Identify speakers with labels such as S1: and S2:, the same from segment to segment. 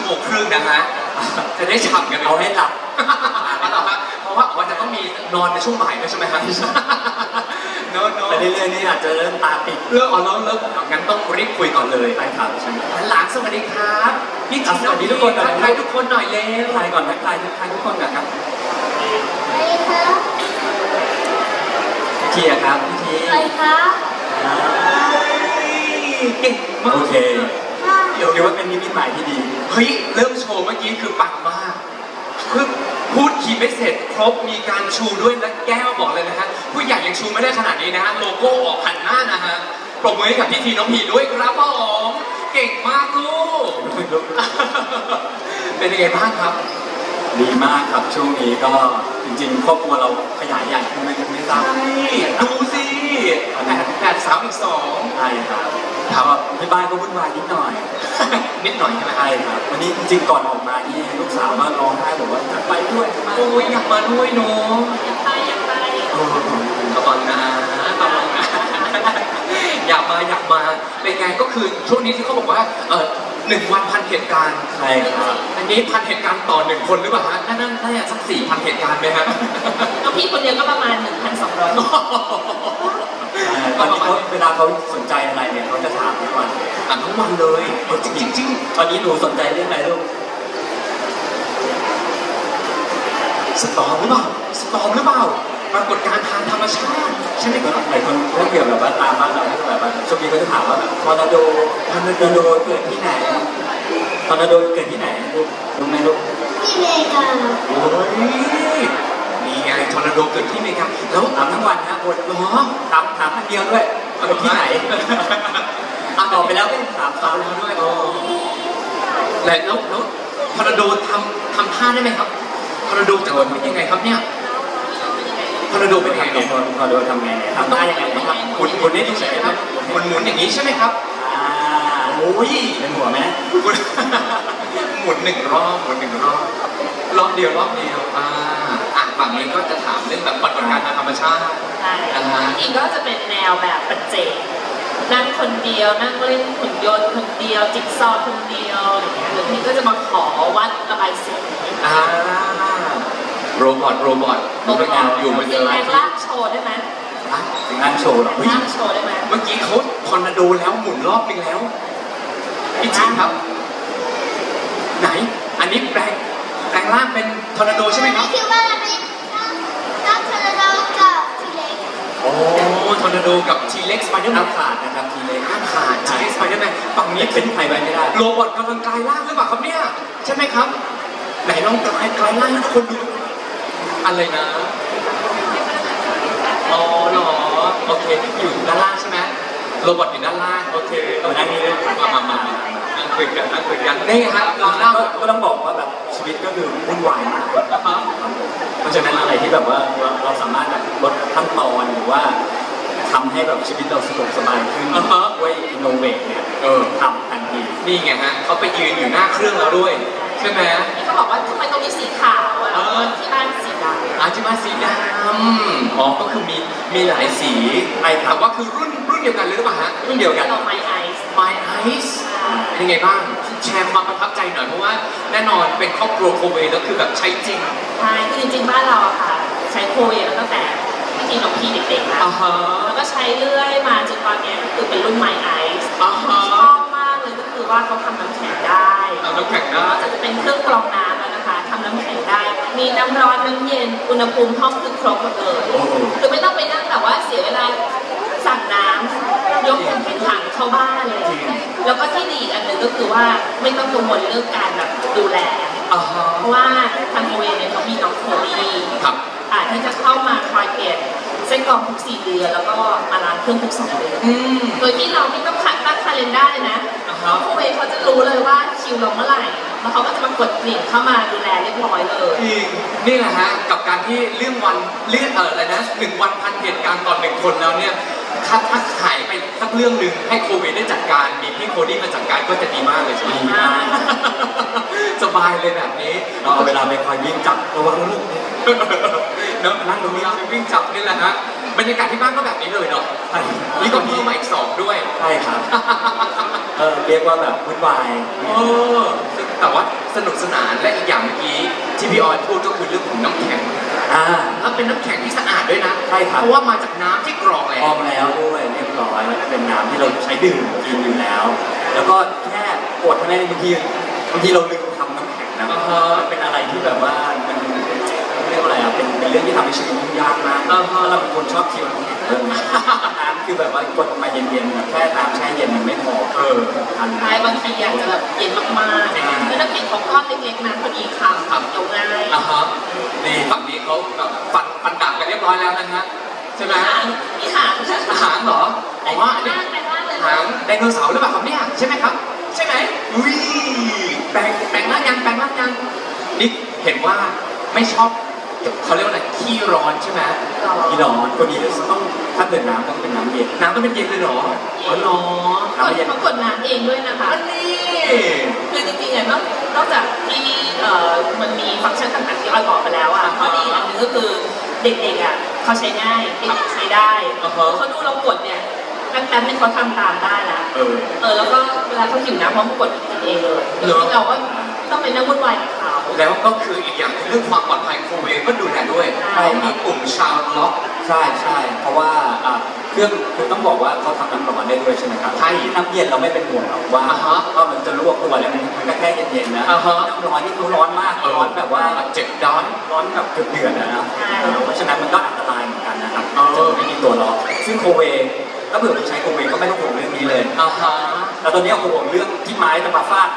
S1: 3:30นะฮะจะได้ฉ่ำกันเอาให้หลับเพราะว่าจะต้องมีนอนในช่วงบ่ายด้วยใช่ไหมครับเนอะ
S2: ไปเรื่อยๆนี่อาจจะเริ่มตาปิด
S1: เลิกเลิกงั้นต้องรีบคุยก่อนเลย
S2: ไปครับใช่
S1: หลานสวัสดีครับพี่จีนสวัสดีทุกคนทักทายทุกคนหน่อยเร็ว
S2: ทักทายก่อนทักทายทุกคนก่อนครับพี่ครับพี่ที
S3: ใครครับ
S1: เก่งมาก
S2: โอเคเดี๋ยวว่าเป็นนิมิตหมายที่ดี
S1: เฮ้ยเริ่มโชว์เมื่อกี้คือปังมากคือพูดคีย์ไม่เสร็จครบมีการชูด้วยและแก้วบอกเลยนะฮะผู้ใหญ่ยังชูไม่ได้ขนาดนี้นะฮะโลโก้ออกหันหน้านะฮะปรบมือให้กับพี่ทีน้องพีด้วยครับผมเก่งมากลูกเป็นยังไงบ้างครับ
S2: ดีมากครับช่วงนี้ก็จริงๆครอบครัวเราขยายใหญ่ขึ้นไม่ทราบ
S1: ดูสิ8 3 อีก 2
S2: ใช่ครับถามว่าที่บ้านก็วุ่นวายนิดหน่อย
S1: นิดหน่อยใช่ไหม
S2: ใช่ครับวันนี้จริงๆก่อนออกมานี่ลูกสาวมาร้องไห้บอกว่าอยากไปด้วย
S1: โอ้ยอยากมาด้วยเนาะ
S3: อยากไป
S1: กระบังนะอยากมาเป็นไงก็คือช่วงนี้ที่เขาบอกว่า1 วัน1,000 เหตุการณ์
S2: ใช่ครับ
S1: อันนี้1,000 เหตุการณ์ต่อ1 คนหรือเปล่าฮะน่าจะสัก4,000 เหตุการณ์ไหมฮะ
S3: น้องพี่คนเดียวก็ประมาณ 1,200
S2: ตอนนี้เวลาเขาสนใจอะไรเนี่ยเขาจะถามทุกวัน
S1: ทั้งวันเลยจริง
S2: ตอนนี้หนูสนใจเรื่องอะไรลูก
S1: สตอมหรือเปล่าปรากฏการณ์ทางธรรมชาติใช่ไหมครับ
S2: หลายคนถ้าเกี่ยวแบบว่าตามบ้านเราแบบว่าช่วงนี้ก็จะถามว่าแบบทอร์นาโดเกิดที่ไหนทอร์นาโดเกิดที่ไหนลูกรู้ไหมลูก
S3: ที่อเมริกา
S1: โอ้ยนี่ไงทอร์นาโดเกิดที่อเมริกาแล้ว
S2: ถามทั้งวันนะคน
S1: เหรอ
S2: ถามคนเดียวด้วยเกิดที่ไหนตอบไปแล้วไม่ถาม
S1: แล้วด้วยแล้วทอร์นาโดทำท่าได้ไหมครับทอร์นาโดจะเป็นยังไงครับเนี่ยทอร์นาโดเป็นยังไง
S2: ทอร์นาโดทำไงทำได้ยังไงครับ
S1: หมุนได้ดีใช่ไหมครับหมุนอย่างนี้ใช่ไหมครับ
S2: โอ้ยเป็นหัวไหม
S1: หมุน1 รอบรอบเดียวฝั่งนี้ก็จะถามเรื่องแบบปรากฏการณ์ทางธรรมชาติ
S3: ใช่อีกก็จะเป็นแนวแบบปัจเจกนั่งคนเดียวนั่งเล่นหุ่นยนต์คนเดียวจิ๊กซอว์คนเดียวอย่างเงี้ยหรือพี่ก็จะมาขอวัดระบายสี
S1: โรบอทอยู่มัน
S3: จะอะไรลากโชว์ได้ไหม
S2: งานโชว์หรอ
S3: ลากโชว์ได้ไหม
S1: เมื่อกี้เขาทอร์นาโดแล้วหมุนรอบนึงแล้วพี่จิงครับไหนอันนี้แปลงร่างเป็นทอร์นาโดใช่ไหมครับ
S3: คิดว่าเป็นทอร์นาโดกับทีเล็ก
S1: โอ้ทอร์นาโดกับทีเล็กสไปเดอร์แมน
S2: ขาดนะครับทีเล็ก
S1: ขาดทีเล็กสไปเดอร์แมนฝั่งนี้
S2: เป็นใครไปไม่ได้
S1: โรบอทกำลังกลายร่างหรือเปล่าครับเนี่ยใช่ไหมครับไหนลองกลายร่างให้ทุกคนดูอะไรนะอ๋อเหรอโอเคอยู่ด้านล่างใช่ไหมโรบอทอยู่ด้านล่างโอเค
S2: ต้องนั่งนี่เลย
S1: มานั่งคุยกันได้ไงฮะ
S2: ก็ต้องบอกว่าแบบชีวิตก็คือวุ่นวายมากเพราะฉะนั้นอะไรที่แบบว่าเราสามารถแบบลดขั้นตอนหรือว่าทำให้แบบชีวิตเราสะดวกสบายขึ้นด้วยอินโนเวทเนี่ยทำทันที
S1: นี่ไงฮะเขาไปยืนอยู่หน้าเครื่องแล้วด้วยใช่ไหม
S3: เขาบอกว่าทำไมตรงนี้สีขาวที่บ้านสีดำ
S1: ที่บ้านสีดำก็คือมีหลายสีแต่ว่าคือรุ่นเดียวกันหรือเปล่าฮะรุ่นเดียวกัน
S3: My Ice
S1: เป็นไงบ้างแชร์ความประทับใจหน่อยเพราะว่าแน่นอนเป็นครอบครัวโคเวแล้วคือแบบใช้จริง
S3: ใช่คือจริงๆบ้านเราอะค่ะใช้โคเวแล้วตั้งแต่พี่ทีน้องพี่เด็กๆแล้วก็ใช้เรื่อยมาจนตอนนี้ก็คือเป็นรุ่น My Ice ชอบมากเลยก็คือว่าเขาทำน้ำแข็งได้จะเป็นเครื่องกรองน้ำแล้วนะคะทำน้ำแข็งได้มีน้ำร้อนน้ำเย็นอุณหภูมิห้องคือครบหมดเลยคือไม่ต้องไปนั่งแบบว่าเสียเวลาสั่งน้ำยกเป็นถังเข้าบ้านเลยแล้วก็ที่ดีอันหนึ่งก็คือว่าไม่ต้องกังวลเรื่องการแบบดูแลเพราะว่าทางโมเวเนี่ยเขามีน้องโคลี่ที่จะเข้ามาคอยเปลี่ยนเส้นกรองทุก4 เดือนแล้วก็มาล้างเครื่องทุก2 เดือนโดยที่เราไม่ต้องตั้งคาเลนด้าเลยนะน้องโคเวเขาจะรู้เลยว่าคิวเราเมื่อไหร่แล้วเขาก็จะมากดกลิ่นเข้ามาดูแลเรียบร้อยเลย
S1: นี่แหละฮะกับการที่เรื่องอะไรนะ1 วัน1,000 เหตุการณ์ต่อ1 คนแล้วเนี่ยถ้าหายไปสักเรื่องหนึ่งให้โควิดได้จัดการมีพี่โคดี้มาจัดการก็จะดีมากเลยใช่ไหมสบายเลยแบบนี้
S2: เราเอาเวลาไปคอยวิ่งจับระวังลูก
S1: เนาะนั่งตรงนี้วิ่งจับนี่แหละฮะบรรยากาศที่บ้านก็แบบนี้เลยเนาะนี่ก็เพิ่มมาอีก2ด้วย
S2: ใช่ครับเรียกว่าแบบวุ่นวาย
S1: แต่ว่าสนุกสนานและอีกอย่างเมื่อกี้ที่พี่ออยพูดก็คือเรื่องของน้ำแข็ง
S2: อ่า
S1: แล้วเป็นน้ำแข็งที่สะอาดด้วยนะ
S2: ใช่ครับ
S1: เพราะว่ามาจากน้ำที่กรองแล้
S2: พร้อ
S1: ว
S2: มแล้วด้วยเรียบร้อยมันเป็นน้ำที่เราใช้ดื่มกินอยู่แล้ว แล้วก็แค่กดเท่านั้นเองบางทีเราลืมทำน้ำแข็งนะ
S1: อ่าฮะ
S2: มันเป็นอะไรที่แบบว่ามันเรียกว่าอะไรอ่ะเป็นเรื่องที่ทำให้ชีวิตยุ่งยากมาก
S1: อ่าฮะ
S2: ถ้าเราเป็นคนชอบเคี่ยวน้ำแข็งเรื่องนี้น้ำคือแบบว่ากดมาเย็นๆแบบแค่น้ำแช่เย็นมันไม่พอทัน
S3: ใช่บางทีอยากจะแบบเย็นมากๆคือน้ำแข็งเขาก้อนเล็กๆนะพอดีคำเคี้ยวง่าย
S1: อ่ะฮะนี่ฝั่งนี้เขาแบบฟันดาบกันเรียบร้อยแล้วนะฮะใช่ไหม
S3: มีหาง
S1: หางเหรอผมว่าอันนี้
S3: ไปบ้านเลย
S1: หางไดโนเสาร์หรือเปล่าครับเนี่ยใช่ไหมครับ ใช่ไหมอุ้ยแปลงร่างยังนี่เห็นว่าไม่ชอบเขาเรียกว่าอะไรขี้ร้อนใช่ไหม
S2: พี่น้องคนนี้ต้องถ้าเกิดน้ำต้องเป็นน้ำเย็น
S1: น้ำต้องเป็นเย็นเลยเหรออ๋อเหรอ
S3: เขากดน้ำเองด้วยนะคะ
S1: อันนี้
S3: คือจริงๆอ่ะนอกจากที่มันมีฟังก์ชันต่างๆที่ออยบอกไปแล้วอ่ะข้อดีอันหนึงก็คือเด็กๆอ่ะเขาใช้ง่ายเด็กๆใช้ได้เขาดูเรากดเนี่ยแป๊บๆนึงเขาทำตามได้ละ แล้วก็เวลาเขาหิวน้ำเขาก็กดกินเองเลยเราก็ต้องไปนั่งวุ่นวายกับเขา
S1: แล้วก็คืออีกอย่างเรื่องความปลอดภัยโคเวก็ดูแลด้วยเขามีปุ่มชาวล็อก
S2: ใช่เพราะว่าเครื่องคือต้องบอกว่าเขาทำน้ำร้อนได้ด้วยใช่ไหมครับ
S1: ใช่
S2: น้ำเย็นเราไม่เป็นห่วงหรอกว่า
S1: อ่าฮะ
S2: ว่ามันจะลวกตัวแล้วมันก็แค่เย็นๆนะ
S1: อ่าฮะ
S2: น้ำร้อนนี่คือร้อนมากร้อนแบบว่า
S1: เจ็บด้อน
S2: ร้อนแบบเดือดๆนะเพราะฉะนั้นมันก็อันตรายเหมือนกันนะครับ
S1: เออ
S2: จะไม่มีตัวล็อกซึ่งโคเวถ้าเผื่อไปใช้โคเวก็ไม่ต้องห่วงเรื่องนี้เลย
S1: อ่าฮะ
S2: แต่ตอนนี้ห่วงเรื่องที่ไม้จะมาฟาด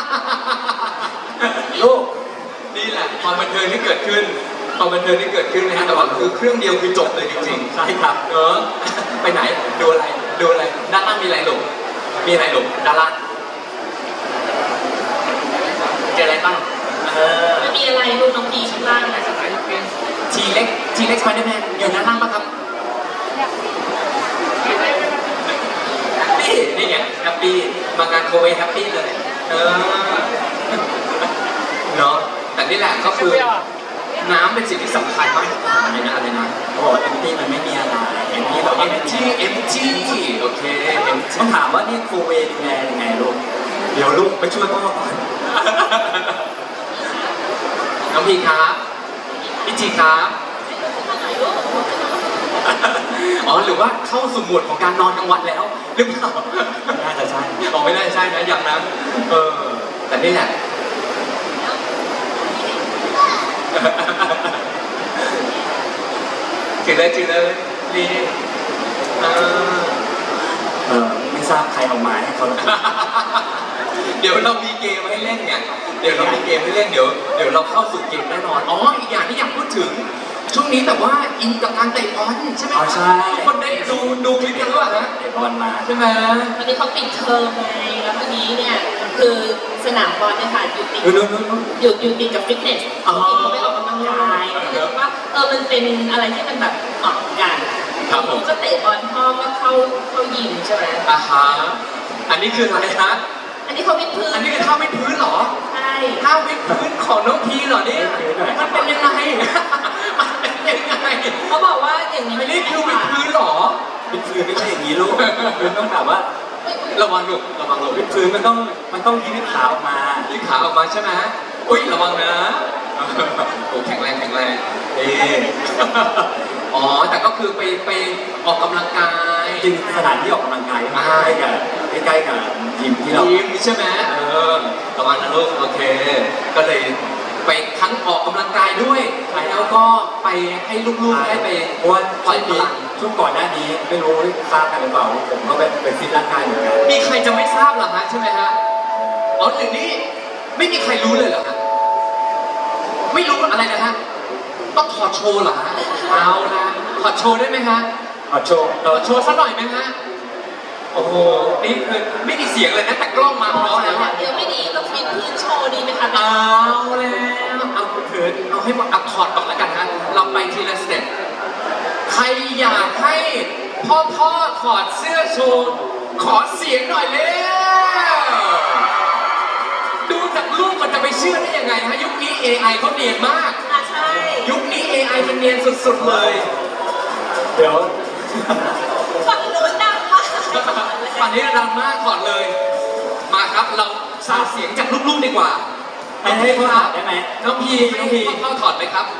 S2: ลูก
S1: นี่แหละความบันเทิงที่เกิดขึ้นนะฮะแต่ว่าคือเครื่องเดียวคือจบเลยจริงๆ
S2: ใช่ครับ
S1: ไปไหนดูอะไรด้านล่างมีอะไรหลงด้านล่างเจออะไรบ้าง
S3: ไม่มีอะไรลูกน้องพีชั้นล่างนะสบาย
S1: ทีเล็กสไปเดอร์แมนอยู่ด้านล่างปะครับนี่ไงแฮปปี้มางานโคเวแฮปปี้เลยเนาะแต่นี่แหละก็คือน้ำเป็นสิ่งที่สำคัญมากอะไรนะ
S2: เขาบอกว่าเอ็มตี้มันไม่มีอะไรเอ็มตี้เราไม่มี
S1: empty โอเค empty
S2: ต้องถามว่านี่ครูเวดูแลยังไงลูก เดี๋ยวลูกไปช่วยพ่อก่อน
S1: น้องพีครับพี่จีครับอ๋อหรือว่าเข้าสู่โหมดของการนอนกลางวันแล้วหรือเปล่า
S2: น่าจะใช่
S1: อ๋อไม่น่าใช่นะอย่างนั้นแต่นี่แหละจืดเลยนี่
S2: ไม่ทราบใครเอามาให้เขา
S1: เดี๋ยวเรามีเกมให้เล่นไงเดี๋ยวเราเราเข้าสู่เกมแน่นอนอ๋ออีกอย่างที่อยากพูดถึงช่วงนี้แบบว่าอินกับการเตะบอลใช่ไหม
S2: อ๋อใช่
S1: ทุกคนได้ดูคลิปกันหรือเปล่าฮะ
S2: เตะบอลมา
S1: ใช่ไหม
S3: วันนี้เขาปิดเทอมไงแล้ววันนี้เนี่ยคือสนามบอลเนี่ยค่ะอยู่ติด
S2: นู้น
S3: อยู่ติดกับฟิตเนสเขาไปออกกำลังกายคือว่ามันเป็นอะไรที่มันแบบเหมาะกันก็เตะบอลพ่อก็เข้ายิมใช่ไหม
S1: อ่าฮะอันนี้คืออะไรฮะ
S3: อันนี้เขาวิดพื้น
S1: อันนี้คือท่าวิดพื้นเหรอ
S3: ใช่
S1: ท่าวิดพื้นของน้องพีเหรอเนี่ยมันเป็นยังไงมันเป็นยังไง
S3: เขาบอกว่าอย่างนี้
S1: อันนี้คือวิดพื้นเหรอ
S2: วิดพื้นไม่ใช่อย่างนี้ลูกคือต้องแบบว่า
S1: ระวังลูก
S2: วิดพื้นมันต้องยืดขาออกมา
S1: ยืดขาออกมาใช่ไหมอุ้ยระวังนะโอ้แข็งแรงอ๋อแต่ก็คือไปออกกำลังกาย
S2: จริงสถานที่ออกกำลังกายใกล้กับยิมที่เรา
S1: ยิมใช่ไหมระวังนะลูกโอเค ก็เลยไปทั้งออกกำลังกายด้วยแล้วก็ไปให้ลูกๆได้ไป
S2: เพราะว่า
S1: ปล่อยพลัง
S2: ช่วงก่อนหน้านี้ไม่รู้ทราบกันหรือเปล่าผมก็ไปฟิตร่างกายเหมือนกัน
S1: มีใครจะไม่ทราบเหรอฮะใช่ไหมฮะอ๋อหรือนี่ไม่มีใครรู้เลยเหรอฮะไม่รู้อะไรนะฮะต้องถอดโชว์เหรอฮะเอาละถอดโชว์ได้ไหมฮะ
S2: โชว์
S1: ถอดโชว์สักหน่อยไหมฮะโอ้โหนี่คือไม่มีเสียงเลยนะแต่กล้องมาพร้อมแล้วอะ
S3: เดี๋ยวไม่ดีต้องฟิตพื้นโชว์ดีไหมคะ
S1: เอาแล้วเอาเถิดเอาให้หมดเอาถอดก่อนแล้วกันฮะเราไปทีละสเต็ปใครอยากให้พ่อถอดเสื้อโชว์ขอเสียงหน่อยเร็วดูจากรูปมันจะไปเชื่อได้ยังไงฮะยุคนี้ AI เขาเนียนมาก
S3: ใช่
S1: ยุคนี้ AI มันเนียนสุดๆเลย
S2: เดี๋ยว
S3: ฝั่งนู้นดังมาก
S1: ป่านนี้ดังมากก่อนเลย มาครับเราสร้างเสียงจากลูกๆดีกว่า
S2: ให้พ่อถอดได้ไหม
S1: น้องพีให้พ่อถอดไหมครับ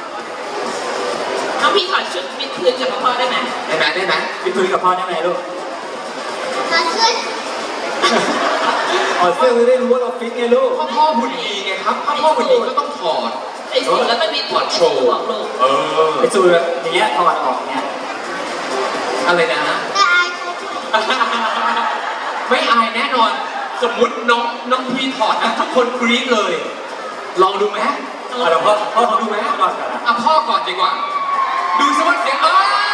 S3: น้องพี่ถอดชุดวิดพื้นกับพ่อได้ไหม
S1: ได้ไหมได้ไหม
S2: วิดพื้นกับพ่อได้ไหมลูก
S4: มาช่วย
S2: ถอดเสื้อจะได้รู้ว่าเราฟิตไงลูก
S1: พ่อหุ่นดีไงครับพ่อหุ่นดีก็ต้องถอด
S3: ใส่สูทแล้วก็วิด
S1: ถอดโชว์
S3: ลูก
S2: ไอ้สูตรแบบอย่างเงี้ยถอดออกเนี่ย
S1: อะไรนะ
S4: แต่อายเขาช่วย
S1: ไม่อายแน่นอน สมมุติน้องพีถอดนะทุกคนกรี๊ดเลย ลองดูไหม
S2: เอาเดี๋ยวพ่อ
S1: ดูไหม
S2: พ่อก่อนกันนะ
S1: อ่ะพ่อก่อนดีกว่า ดูสิว่าเสียง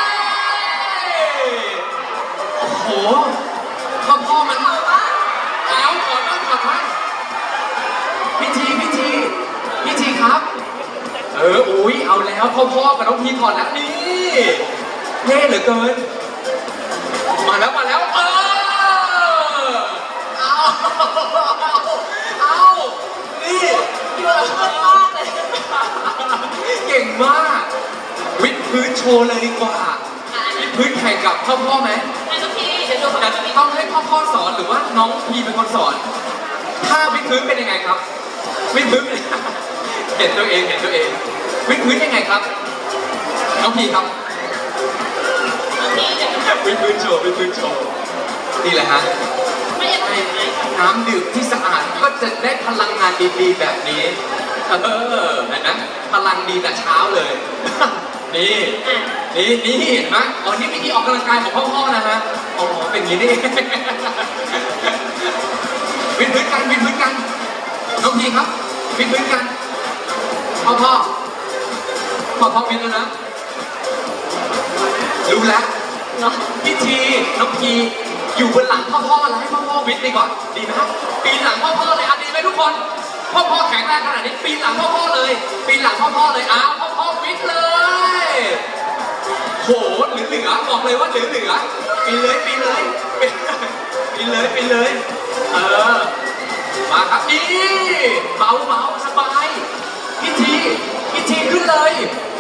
S1: โอ้โหพ่อมันเอาถอดบ้างพิธีครับอุ้ยเอาแล้วพ่อกับน้องพีถอดแล้วนี่เท่เหลือเกิน มาแล้วเอานี่
S3: เยอะมากเลย
S1: เก่งมาก วิดพื้นโชว์เลยดีกว่า วิดพื้นแข่งกับพ่อไหม
S3: ให้น้องพี่เดี๋ยวดูของ
S1: แต่
S3: น้องพี่
S1: ต้องให้พ่อสอนหรือว่าน้องพีเป็นคนสอน ถ้าวิดพื้นเป็นยังไงครับ วิดพื้นเป็น เห็นตัวเอง วิดพื้นยังไงครับ น้องพีครับ
S3: น้องพี่เดี๋ยว
S1: วิดพื้นโชว์นี่แหละฮะ
S3: ไม่อยากให้ไหม
S1: น้ำดื่มที่สะอาดก็จะได้พลังงานดีๆแบบนี้เห็นไหมพลังดีแต่เช้าเลย นี่
S3: อ่ะ
S1: นี่เห็นไหมอ๋อนี่วิธีออกกำลังกายของพ่อนะฮะอ๋อเป็นอย่างนี้นี่ วิดพื้นกันน้องพีครับวิดพื้นกันพ่อวิดแล้วนะรู้แล้ว
S3: เนาะ
S1: พิธีน้องพีอยู่บนหลังพ่อแล้วให้พ่อวิทย์ไปก่อนดีไหมปีนหลังพ่อเลยดีไหมทุกคนพ่อแข็งแรงขนาดนี้ปีนหลังพ่อเลยอ้าวพ่อวิทย์เลยโหเหลือบอกเลยว่าเหลือปีนเลยมาครับนี่เบาสบายพิธีขึ้นเลย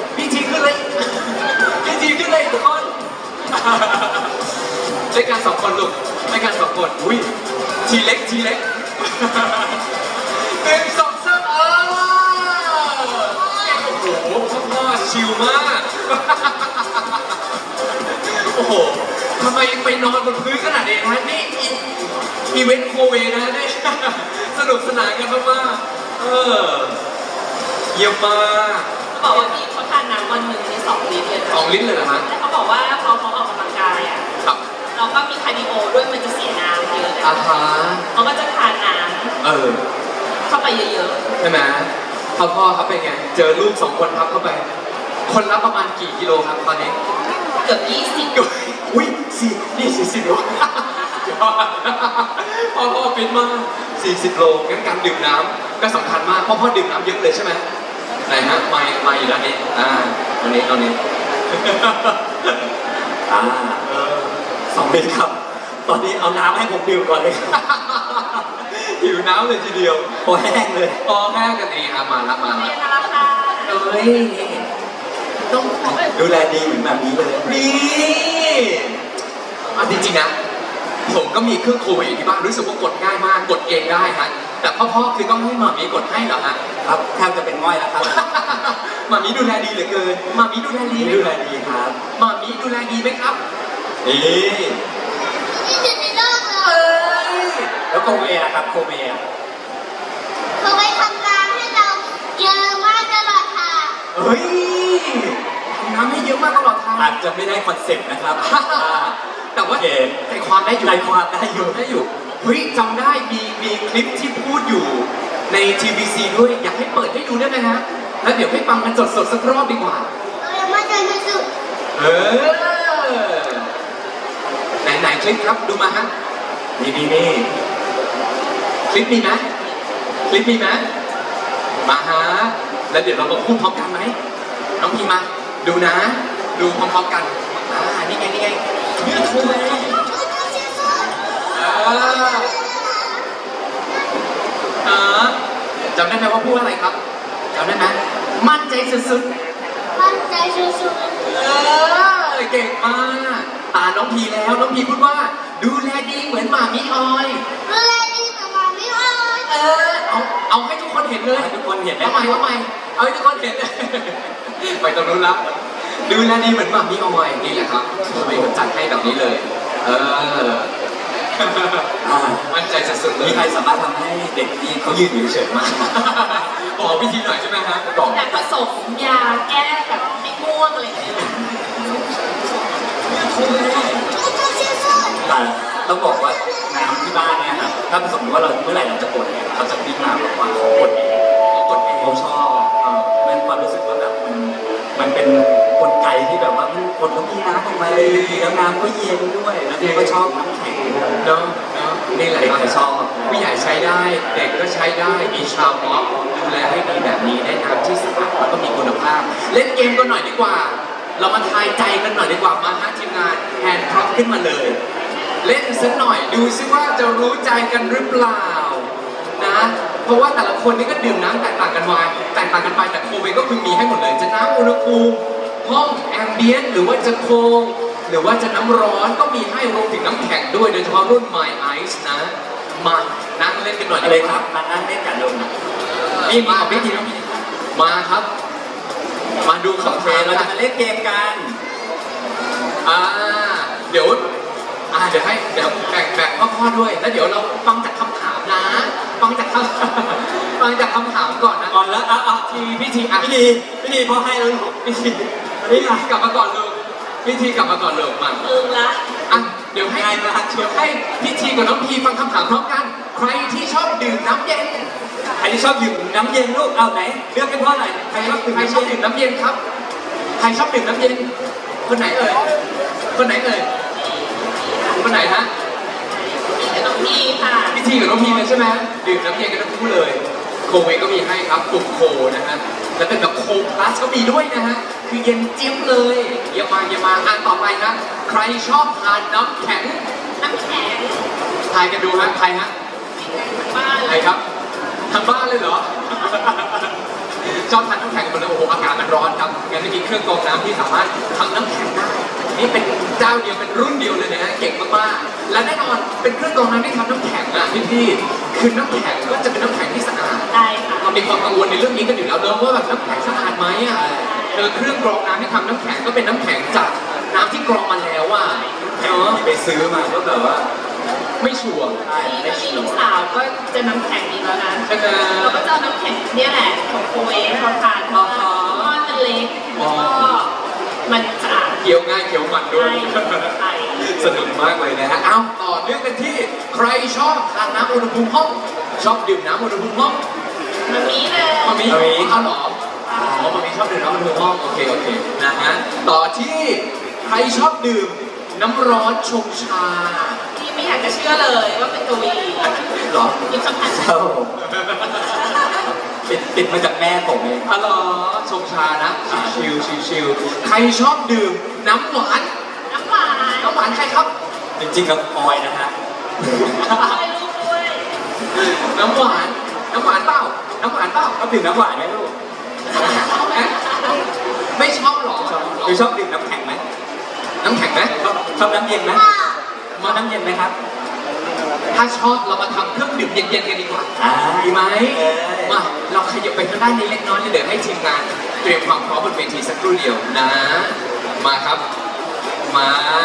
S1: ทุกคนด้วยกัน2 คนลูกด้วยกัน2 คนอุ้ยทีเล็ก 1 2 3โอ้โหพ่อชิลมากโอ้โหทำไมไปนอนบนพื้นขนาดนี้นะนี่อีเวนต์โคเวนะนี่สนุกสนานกันมากเยี่ยมมาก
S3: เขาบอกว่าพี่เขาทานน้ำวันหนึ่งใน2 ลิตรเลยนะ
S1: 2 ลิ้นเลยเหรอฮะ
S3: แล้วเขาบอกว่าพอเขาออกกำลังกายอ่ะ
S1: ครับ
S3: เราก็มีคาร์ดิโอด้วยมันจะเสียน้ำเยอะ
S1: อาฮะ
S3: เขาก็จะทานน้
S1: เออ
S3: ำเข้าไปเยอะ
S1: ใช่ไหมพ่อครับเป็นไง เจอลูก2 คนทับเข้าไป คนละประมาณกี่กิโลครับตอนนี้
S3: ๆ เกือบ20
S1: อุ้ย40 โลพ่อฟิตมาก40 โลงั้นการดื่มน้ำก็สำคัญมากพ่อดื่มน้ำเยอะเลยใช่ไหมไหนฮะมาอยู่ด้านนี้ตรงนี้
S2: 2 เมตรครับ ตอนนี้เอาน้ำให้ผมดื่มก่อนเลยครับ
S1: หิวน้ำเลยทีเดียว
S2: พอแห้งเลย
S1: พอแห้งกันดีครับมาละ
S3: นี่นะราคา
S1: เอ้ยต้อง
S2: ดูแลดีเหมือนแบบนี้เลย
S1: นี่จริงๆนะผมก็มีเครื่องโควิดอยู่ที่บ้านรู้สึกว่ากดง่ายมากกดเองได้ฮะแต่พ่อคือต้องให้หมามีกดให้เหรอฮะ
S2: ครับแทบจะเป็นง่อยแล้วครับ
S1: หมามีดูแลดีเหลือเกินหมามีดูแลดีไหม
S2: ดูแลดีครับ
S1: หมามีดูแลดีไหมครับนี่
S4: ที่สุดในโลกเล
S1: เอ้
S4: ย
S1: ย
S2: แล้วโคเวอะครับโคเวอะ
S4: เขาไปทำงานให้เราเยอะมากตลอดทาง
S1: เฮ้ยทำน้ำให้เยอะมากตลอดทาง
S2: อาจจะไม่ได้คอนเซ็ปต์นะครับ
S1: แต่ว่า
S2: โอเค
S1: ใจความได้อยู่
S2: ใจความได้อยู่
S1: เฮ้ยจำได้มีคลิปที่พูดอยู่ใน TVC ด้วยอยากให้เปิดให้ดูได้ไหมฮะแล้วเดี๋ยวให้ฟังกันสดๆสักรอบดีกว่า
S4: เรายังไม่เจอที่สุด
S1: เออไหนคลิปครับดูมาฮะนี่คลิปมีไหมมาฮะแล้วเดี๋ยวเรามาพูดพร้อมกันไหมน้องพีมาดูนะ ดูพร้อมๆกันนี่ไงเนื้อโคเวจำได้ไหมว่าพูดอะไรครับจำได้ไหมมั่นใจสุดๆ
S4: มั่นใจสุด
S1: เก่งมากตาน้องพีแล้วน้องพีพูดว่า ดูแลดีเหมือนหมามิออย
S4: ๆดูแลดีกับหมาไม่อ้อย
S1: เอาให้ทุกคนเห็นเลย
S2: ให้ทุกคนเห็นไหม
S1: เอาใหม่เอาให้ทุกคนเห็น ไปตรงนู้นละดูแลดีเหมือนหมามีออยนี่แหละครับไม่จัดให้แบบนี้เลย มั่นใจสุดๆเลย
S2: มีใครสามารถทำให้เด็กที่เขายืนอยู่เฉยๆมาก
S1: บอกวิธีหน่อยใช่ไหมฮะบอก
S3: แต่ผสมยาแก้แบบให้ม่วงอะไรอย่างเงี้ย
S2: แต่ต้องบอกว่าน้ำที่บ้านเนี่ยครับถ้าสมมติว่าเราเมื่อไหร่เราจะกดเนี่ยเขาจะวิ่งมาบอกว่าเขากดเองเขาชอบมันความรู้สึกว่าแบบมันเป็นกลไกที่แบบว่ามันกดแล้วมีน้ำออกมาเลยแล้วน้ำก็เย็นด้วยแล้วเด็กก็ชอบน้ำแข็งด้วย
S1: เนาะนี่แหละ
S2: เด็กก็ชอบ
S1: ผู้ใหญ่ใช้ได้ เด็กก็ใช้ได้มีชาวม็อบดูแลให้ดีแบบนี้ได้น้ำที่สะอาดแล้วก็มีคุณภาพ เล่นเกมกันหน่อยดีกว่า เรามาทายใจกันหน่อยดีกว่ามาฮะทีมงานแฮนด์พร็อพขึ้นมาเลย เล่นสักหน่อยดูซิว่าจะรู้ใจกันหรือเปล่านะเพราะว่าแต่ละคนนี่ก็ดื่มน้ำแตกต่างกันมาแตกต่างกันไปแต่โคเวก็คือมีให้หมดเลยจะน้ำอุณหภูมิห้องแอมเบียนหรือว่าจะโคงหรือว่าจะน้ำร้อนก็มีให้รวมถึงน้ำแข็งด้วยโดยเฉพาะรุ่น My Ice นะมานั่งเล่นกันหน่อย
S2: อะไรครับมานั่งเล่นกันลง
S1: นี่มาพิธีมาครับ มาดูของ
S2: โอเค
S1: แท้
S2: เราจะมาเล่นเกมกัน
S1: เดี๋ยวเดี๋ยวแบ่งพ่อด้วยแล้วเดี๋ยวเราฟังจากคำถามนะฟังจากคำถามก่อนนะ
S2: ก่อนแล้วทีพิธีพอให้แล้วพิธี
S1: พี่ทีกลับมาก่อนเลยพี่ทีกลับมาก่อนเลยมา
S3: ละ
S1: เดี๋ยวให้พี่ทีกับน้องพีฟังคำถามพร้อมกัน ใครที่ชอบดื่มน้ำเย็น
S2: ใครที่ชอบดื่มน้ำเย็นลูกเอาไหนเลือกให้พ่อหน่อย
S1: ใครชอบดื่มน้ำเย็นครับ ใครชอบดื่มน้ำเย็น คนไหนเอ่ย คนไหนเอ่ย คนไหนฮะ
S3: กับน้องพีค่ะ
S1: พี่ทีกับน้องพีเลยใช่ไหมดื่มน้ำเย็นกันทั้งคู่เลย โคเวก็มีให้ครับปลุกโคนะฮะ แล้วเป็นแบบโคพลัสก็มีด้วยนะฮะ คือเย็นจิ๊บเลยเยี่ยมมาอ่านต่อไปครับ ใครชอบทานน้ำแข็ง
S3: น้ำแข็ง
S1: ทายกันดูฮะ ใครฮะ
S3: บ้าน
S1: ใครครับทางบ้านเลยเหรอ ชอบทานน้ำแข็งกันเลยโอ้โหอากาศมันร้อนครับงั้นจะมีเครื่องกรองน้ำที่สามารถทำน้ำแข็งได้ นี่เป็นเจ้าเดียวเป็นรุ่นเดียวเลยนะฮะเก่งมากๆ และแน่นอนเป็นเครื่องกรองน้ำที่ทำน้ำแข็งอ่ะพี่คือน้ำแข็งก็จะเป็นน้ำแข็งที่สะอาด
S3: ได้ค่ะ
S1: เรามีความกังวลในเรื่องนี้กันอยู่แล้วเนอะว่าแบบน้ำแข็งสะอาดไหมอ่ะเครื่องกรองน้ำที่ทำน้ำแข็งก็เป็นน้ำแข็งจากน้ำที่กรองมาแล้วอ่ะเนาะ
S2: ไปซื้อมาก็แบบว่า
S1: ไม่ชัวร์
S3: นี่ก็มีลูกสาวก็จะน้ำแข็งอีกแล้วนะ
S1: ใช่ไหม
S3: เราก็จะเอาน้ำแข็งเนี่ยแหละของโคเอทเขาทานเพราะว่าก้อนมันเล็กแล้วก็มันสะอาด
S1: เคี้ยวง่ายเคี้ยวมันด้วย
S3: ใช่
S1: สนุกมากเลยนะฮะ เอาต่อเนื่องกันที่ใครชอบทานน้ำอุณหภูมิห้อง ชอบดื่มน้ำอุณหภูมิห้อง
S3: มันมีเลย
S1: มามีเอาเหรออ๋อมามีชอบดื่มน้ำอุณหภูมิห้อง โอเคนะฮะ ต่อที่ใครชอบดื่มน้ำร้อนชงชา
S3: ที่ไม่อยากจะเชื่อเลยว่าเป็นตัววี
S1: เหรอ
S3: ยุคสัมพันธ์
S2: ครับผมติดมาจากแม่ผมเอง
S1: อ๋อเหรอชงชานะ ชิลใครชอบดื่มน้ำหวาน
S3: น้ำหวาน
S1: น้ำหวานใครครับ
S2: จริงๆกับออยนะฮะ
S3: ให้ลูกด้วย
S1: น้ำหวานเปล่า
S2: ชอบดื่มน้ำหวานไหมลูก
S1: ชอบไหมไม่ชอบหรอ
S2: หรือชอบดื่มน้ำแข็งไหม
S1: น้ำแข็งไหม
S2: ชอบน้ำเย็นไหมมาน้ำเย็นไหมครับ
S1: ถ้าชอบเรามาทำเครื่องดื่มเย็นๆกันดีกว่า
S2: อ่า
S1: ดีไหม
S2: เออ
S1: มาเราขยับไปทางด้านนี้เล็กน้อยเลยเดี๋ยวให้ทีมงานเตรียมความพร้อมบนเวทีสักครู่เดียวนะ มาครับ มา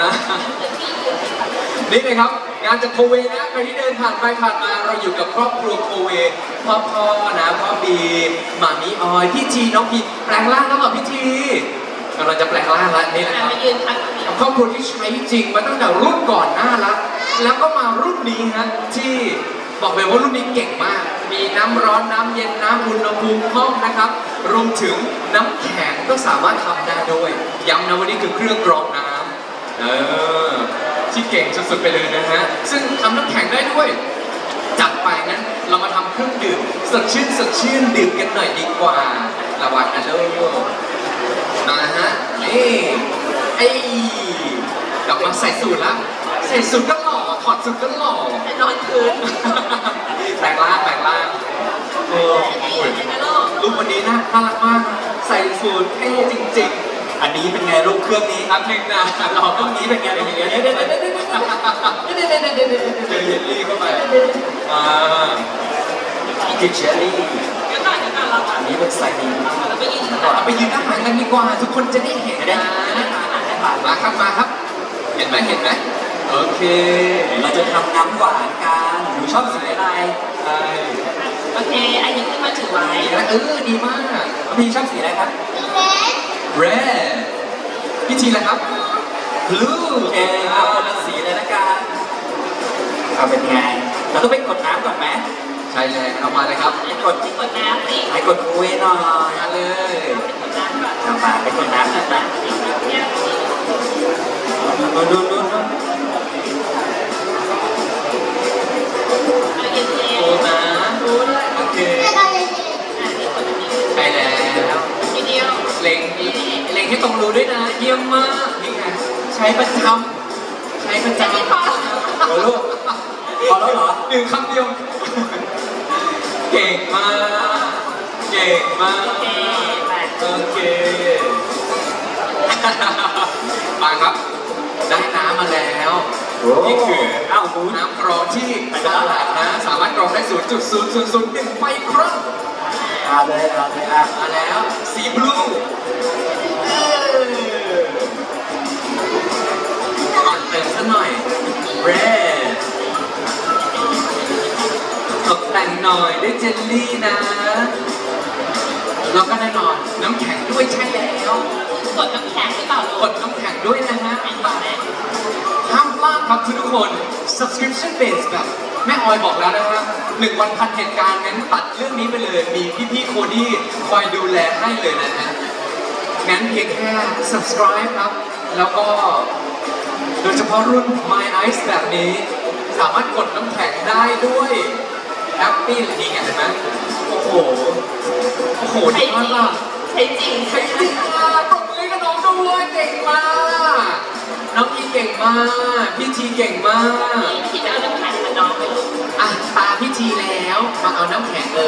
S1: นี่เลยครับ งานจากโคเวนะใครที่เดินผ่านไปผ่านมาเราอยู่กับครอบครัวโคเวพ่อนะพ่อบีหมามีออยพี่ทีน้องพีแปลงร่างแล้วเหรอพี่ทีกำลังจะแปลงร่างแล้วนี่แหละครับ
S3: มายืนทักตรงนี้
S1: ครอบครัวที่ใช้จริงมาตั้งแต่รุ่นก่อนหน้าแล้วก็มารุ่นนี้ฮะที่บอกเลยว่ารุ่นนี้เก่งมาก มีน้ำร้อนน้ำเย็นน้ำอุณหภูมิห้องนะครับรวมถึงน้ำแข็งก็สามารถทำได้ด้วยย้ำนะวันนี้คือเครื่องกรองน้ำที่เก่งสุดๆไปเลยนะฮะซึ่งทำน้ำแข็งได้ด้วยจัดไปงั้นเรามาทำเครื่องดื่มสดชื่นดื่มกันหน่อยดีกว่าระวังนะลูกนะฮะกลับมาใส่สูตรแล้วใส่สูตรก็หล่อถอดสูตรก็หล่อ
S3: ไปนอนคืน
S1: แปลงร่างโอ้
S3: นี่
S1: โห
S3: ยังไงลูก
S1: ลูกวันนี้น่ารักมาก ใส่สูตรเท่จริง
S2: อันนี้เป็นไงลูกเครื่องนี้
S1: ๆอันหนึ่งนะหล่อ
S2: เครื่องนี้เป็นไงเป็นอย่างเงี้ยเดี๋ยว
S1: เจอเยลลี่เข้าไป
S2: เนี่คือเชอร์รี่
S3: เดี๋ยวก่อนเรา
S2: อันนี้เป็นไซดีน
S3: เราไปยืน
S1: เอาไปยืนด้านหลังกันดีกว่า ทุกคนจะได้เห็นนะมาครับมาครับ เห็นไหมเห็นไหมโอเค
S2: เราจะทำน้ำหวานกันหนูชอบสีอะไร
S1: ใช่
S3: โอเคอันนี้ขึ้นมาถือไว้
S1: ดีมาก
S2: พี่ชอบสีอะไรครับ
S1: red พี่ทีละครับ blue
S2: โอเคเอาคนละสีเลยละกันเอาเป็นไง เราต้องไปกดน้ำก่อนไหม
S1: ใช่เลยเอามาเลยครับ
S2: กด
S3: กดน้ำสิ
S2: ให้กดคุยหน่อย
S1: มาเลย
S3: กดน้ำก่อน
S2: เอามาไปกดน้ำหน่อยนะ
S3: เนี่ย
S2: ดู
S3: เอาเย็น
S1: โอ้นะ
S3: ๆรู้เลย
S1: โอเค
S3: อ่ะนี่กดอันนี้
S1: ใช่แล้ว
S3: ทีเดียว
S1: เล็งให้ตรงรูด้วยนะ เยี่ยมมากนี่ไงใช้ประจำใช้ประจำ
S3: ไม่พอ
S2: โอ้ลูกพอแล้วเหรอ
S1: หนึ่งคำเดียว เก่งมาก เก่งมาก
S3: โอเคไป
S1: โอเค มาครับ ได้น้ำมาแล้ว นี่คือ
S2: อ้าวดู
S1: น้ำกรองที่สะอาดนะ สามารถกรองได้ 0.0001 ไมครอน
S2: เอาเลยอ่ะ
S1: มาแล้วสีบลูเติมซะหน่อย red ตกแต่งหน่อยด้วยเจลลี่นะ แล้วก็แน่นอนน้ำแข็งด้วยใช่แล้ว
S3: กดน้ำแข็งหรือเปล่าลู
S1: กดน้ำแข็งด้วยนะฮะ
S3: ไม่ต่อแม่
S1: ห้ามพลาดครับทุกคน subscription base แบบแม่ออยบอกแล้วนะฮะ1 วันพันเหตุการณ์งั้นตัดเรื่องนี้ไปเลย มีพี่ๆโคดี้คอยดูแลให้เลยนะฮะ งั้นเพียงแค่ subscribe ครับ แล้วก็โดยเฉพาะรุ่น My Ice แบบนี้ สามารถกดน้ำแข็งได้ด้วย Happy เลยนี่ไงเห็นไหมโอ้โห โอ้โห
S3: ใช้
S1: ดี
S3: จริ
S1: มาก
S3: ง
S1: อ่ะ
S3: ใช้จริง
S1: ใช่จริงอ่ะปรบมือให้กับน้องด้วยเก่งมาก น้องอีเก่งมาก พี่ทีเก่งมาก
S3: ที่จะเอาน้ำแข็งมาน้องไปลูก
S1: อ่ะตาพี่ทีแล้ว มาเอาน้ำแข็งเลย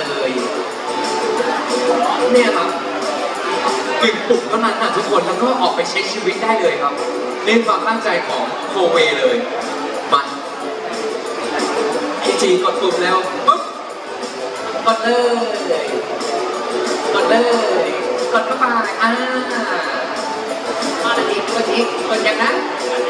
S1: เนี่ยครับ1 ปุ่มเท่านั้นนะทุกคนแล้วก็ออกไปใช้ชีวิตได้เลยครับนี่ความตั้งใจของโคเวเลยมาพี่ทีกดปุ่มแล้วปุ๊บกดเลยกดเลยกดเข้าไปกดอีกกดอีกกดอย่างนั้น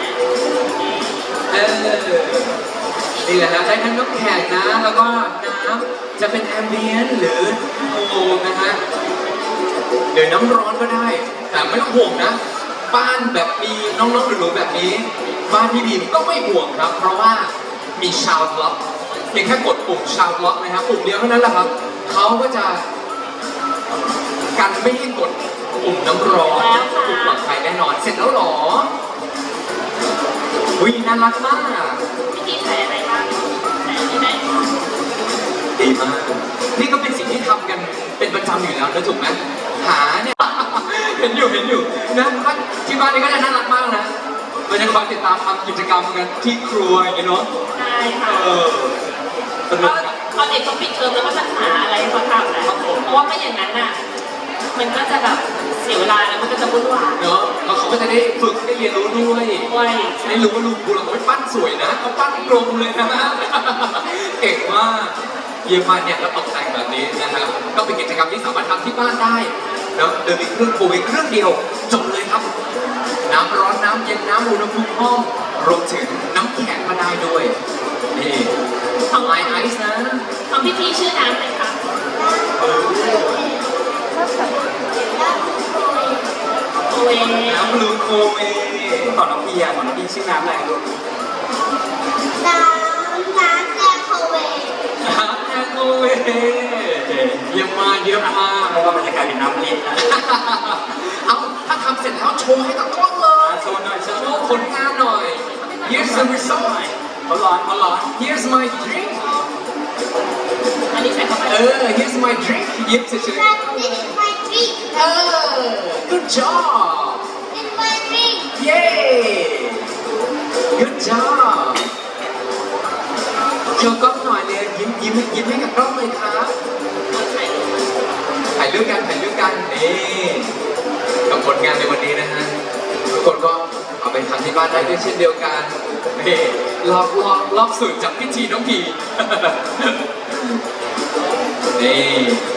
S1: นี่แหละฮะได้ทั้งน้ำแข็งนะ แล้วก็น้ำจะเป็นแอมเบียนหรือโฮมนะฮะหรือน้ำร้อนก็ได้ แต่ไม่ต้องห่วงนะ บ้านแบบมีน้องๆหนูๆแบบนี้ บ้านพี่บีมก็ไม่ห่วงครับ เพราะว่ามีชาวล็อกเพียงแค่กดปุ่มชาวล็อกนะครับปุ่มเดียวเท่านั้นแหละครับเขาก็จะกันไม่ให้กดปุ่มน้ำร้อนปุ่มปลอดภัยแน่นอน เสร็จแล้วเหรออุ้ยน่ารักมาก
S3: วิธีใส่อะไรบ้างใส่อันนี้ไหม
S1: ดีมาก นี่ก็เป็นสิ่งที่ทำกันเป็นประจำอยู่แล้วนะถูกไหมหาเนี่ย เห็นอยู่นะที่บ้านนี้ก็จะน่ารักมากนะเราจะคอยติดตามทำกิจกรรมกันที่ครัวอย่างเงี้ยเนาะ
S3: ใช่ค่ะ
S1: สนุกนะ
S3: พอเด็กเขาปิดเทอมแล้วก็จะหาอะไรเขาทำแหละเพราะว่าไม่อย่างนั้นน่ะ มันก็จะแบบเสียเวลาแล้วมันก็จะวุ่นวาย
S1: เนาะแล้วเขาก็จะได้ฝึกได้เรียนรู้ด้วย
S3: ด้วย
S1: ได้รู้ว่าลูกกูเราไม่ปั้นสวยนะเขาปั้นกลมเลยนะ เก่งมากเยี่ยมมากเนี่ยแล้วตกแต่งแบบนี้นะครับก็เป็นกิจกรรมที่สามารถทำที่บ้านได้เนาะโดยมีเครื่องโควิดเครื่องเดียวจบเลยครับ น้ำร้อนน้ำเย็นน้ำอุณหภูมิห้องรวมถึงน้ำแข็งก็ได้ด้วยนี่ทำไลน์ไอซ์นะ
S3: ทำพิธีชื่อน้ำอะไรคะโอเว
S1: น้ำบลูโคเว
S2: ก่อนน้องพี่อ่ะก่อนน้องพี่ชื่อน้ำอะไรลูก
S1: น้ำแอร์โคเวเยี่ยมมากเยี่ยมมาก
S2: เพราะว่ามันจะกลายเป็นน้ำลิ้นนะ
S1: เอาถ้าทำเสร็จแล้วโชว์ให้กับกล้องเลย
S2: โชว์หน่อยโช
S1: โช
S2: ว์
S1: ว์ผลงานหน่อย Here's the result
S2: เขาร้อนเขาร้อน
S1: Here's my drink
S3: อันนี้ใส่เข้าไป
S1: Here's my drink ยิ้มเฉยๆGood job Yay Good job โชว์กล้องหน่อยเลยยิ้มให้กับกล้องเลยครับถ่ายรูปกันนี่กับผลงานในวันนี้นะฮะทุกคนก็เอาไปทำที่บ้านได้ด้วยเช่นเดียวกันนี่ลอกสูตรจากพิธีน้องพีนี่